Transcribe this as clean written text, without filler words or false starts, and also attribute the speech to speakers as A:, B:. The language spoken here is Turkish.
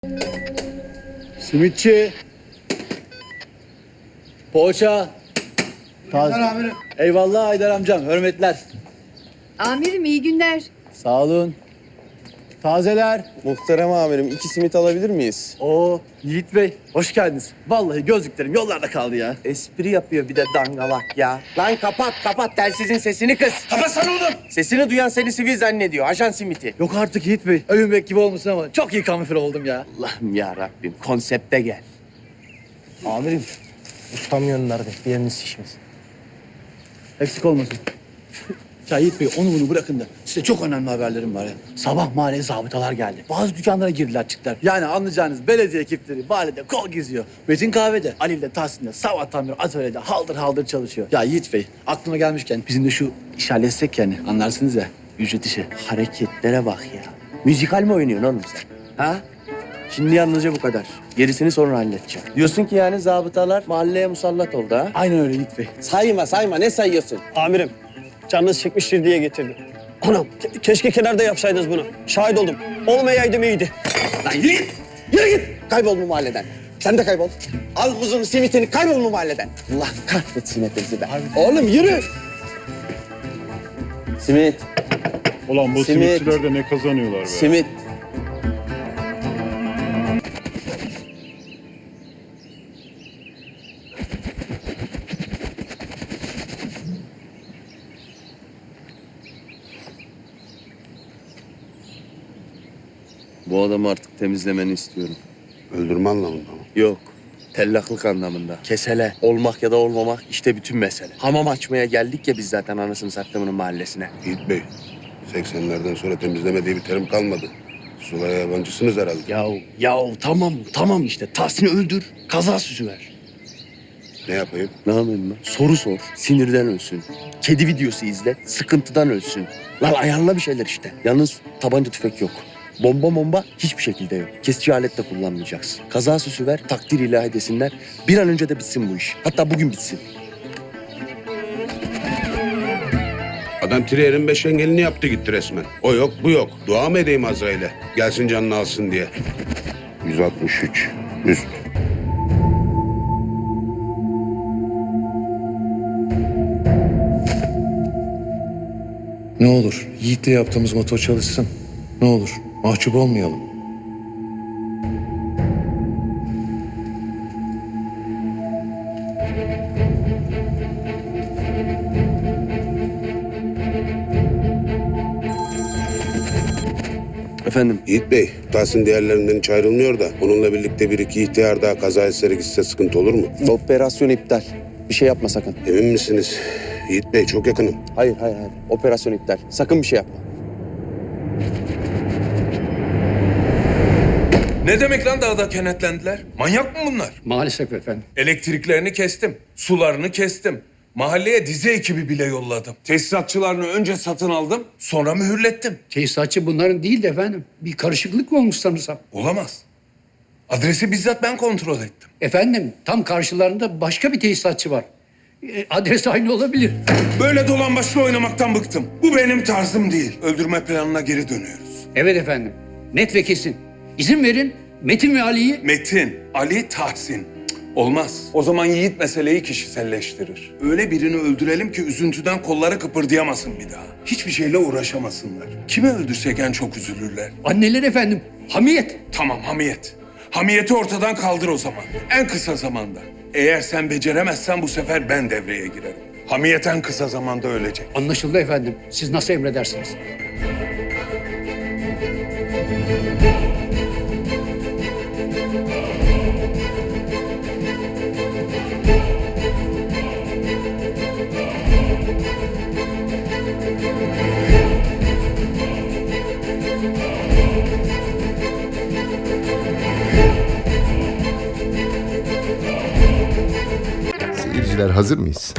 A: Simitçi. Poğaça.
B: Amirim.
A: Eyvallah Haydar amcam. Hürmetler.
C: Amirim iyi günler.
A: Sağ olun. Tazeler.
B: Muhterem amirim 2 simit alabilir miyiz?
A: Oo Yiğit Bey. Hoş geldiniz. Vallahi gözlüklerim yollarda kaldı ya.
B: Espri yapıyor bir de dangalak ya. Lan kapat telsizin sesini kız.
A: Kapatsana oğlum.
B: Sesini duyan seni sivil zannediyor. Ajan simiti.
A: Yok artık Yiğit Bey. Övünmek gibi olmasın ama çok iyi kamufle oldum ya.
B: Allah'ım ya Rabbim konsepte gel.
D: Amirim, ustam gönderdi. Bir yeriniz şişmiş.
A: Eksik olmasın. Ya Yiğit Bey onu bunu bırakın da size çok önemli haberlerim var ya. Sabah mahalleye zabıtalar geldi. Bazı dükkanlara girdiler çıktılar. Yani anlayacağınız belediye ekipleri mahallede kol geziyor. Metin kahvede, Ali ile Tahsin'de, sabahtan beri atölyede haldır haldır çalışıyor. Ya Yiğit Bey aklıma gelmişken bizim de şu iş halletsek yani anlarsınız ya ücret işi.
B: Hareketlere bak ya. Müzikal mi oynuyorsun oğlum sen? Ha? Şimdi yalnızca bu kadar. Gerisini sonra halledeceğim. Diyorsun ki yani zabıtalar mahalleye musallat oldu ha?
A: Aynen öyle Yiğit Bey.
B: Sayma ne sayıyorsun?
D: Amirim, canınız çekmiştir diye getirdim. Anam, keşke kenarda yapsaydınız bunu. Şahit oldum. Olmayaydım iyiydi.
B: Lan yürü git! Yürü git! Kaybol bu mahalleden. Sen de kaybol. Al kuzun simitini kaybol bu mahalleden. Allah kahretsin hepinizi be. Oğlum yürü! Simit,
E: Ulan bu
B: Simit.
E: simitçiler de ne kazanıyorlar be.
B: simit. Bu adamı artık temizlemeni istiyorum.
F: Öldürme anlamında mı?
B: Yok. Tellaklık anlamında. Kesele. Olmak ya da olmamak işte bütün mesele. Hamam açmaya geldik ya biz zaten anasını sattığımın mahallesine.
F: Yiğit Bey, 80'lerden sonra temizleme diye bir terim kalmadı. Sulaya yabancısınız herhalde.
B: Yahu tamam işte. Tahsin'i öldür. Kaza süsü ver.
F: Ne yapayım?
B: Ne yapayım ben? Soru sor. Sinirden ölsün. Kedi videosu izle. Sıkıntıdan ölsün. Lan ayarla bir şeyler işte. Yalnız tabanca tüfek yok. Bomba hiçbir şekilde yok. Kesici alet de kullanmayacaksın. Kaza süsü ver, takdir ilahi desinler. Bir an önce de bitsin bu iş. Hatta bugün bitsin.
F: Adam Trier'in 5 engelini yaptı gitti resmen. O yok, bu yok. Dua mı edeyim Azrail'e? Gelsin canını alsın diye. 163, üst.
G: Ne olur Yiğit'le yaptığımız motor çalışsın. Ne olur mahcup olmayalım.
B: Efendim?
F: Yiğit Bey, Tahsin diğerlerinden hiç ayrılmıyor da onunla birlikte bir iki ihtiyar daha kaza etsere gitse sıkıntı olur mu?
B: Operasyon iptal. Bir şey yapma sakın.
F: Emin misiniz? Yiğit Bey çok yakınım.
B: Hayır. Operasyon iptal. Sakın bir şey yapma.
H: Ne demek lan dağda kenetlendiler? Manyak mı bunlar?
I: Maalesef efendim.
H: Elektriklerini kestim, sularını kestim. Mahalleye dizi ekibi bile yolladım. Tesisatçılarını önce satın aldım, sonra mühürlettim.
I: Tesisatçı bunların değil de efendim. Bir karışıklık mı olmuş sanırsam?
H: Olamaz. Adresi bizzat ben kontrol ettim.
I: Efendim tam karşılarında başka bir tesisatçı var. Adres aynı olabilir.
H: Böyle dolambaçlı oynamaktan bıktım. Bu benim tarzım değil. Öldürme planına geri dönüyoruz.
I: Evet efendim. Net ve kesin. İzin verin Metin ve Ali'yi...
H: Metin, Ali, Tahsin. Cık, olmaz. O zaman Yiğit meseleyi kişiselleştirir. Öyle birini öldürelim ki üzüntüden kolları kıpırdayamasın bir daha. Hiçbir şeyle uğraşamasınlar. Kimi öldürsek en çok üzülürler.
I: Anneler efendim. Hamiyet.
H: Tamam hamiyet. Hamiyeti ortadan kaldır o zaman. En kısa zamanda. Eğer sen beceremezsen bu sefer ben devreye girerim. Hamiyet en kısa zamanda ölecek.
I: Anlaşıldı efendim. Siz nasıl emredersiniz?
J: Seyirciler hazır mıyız?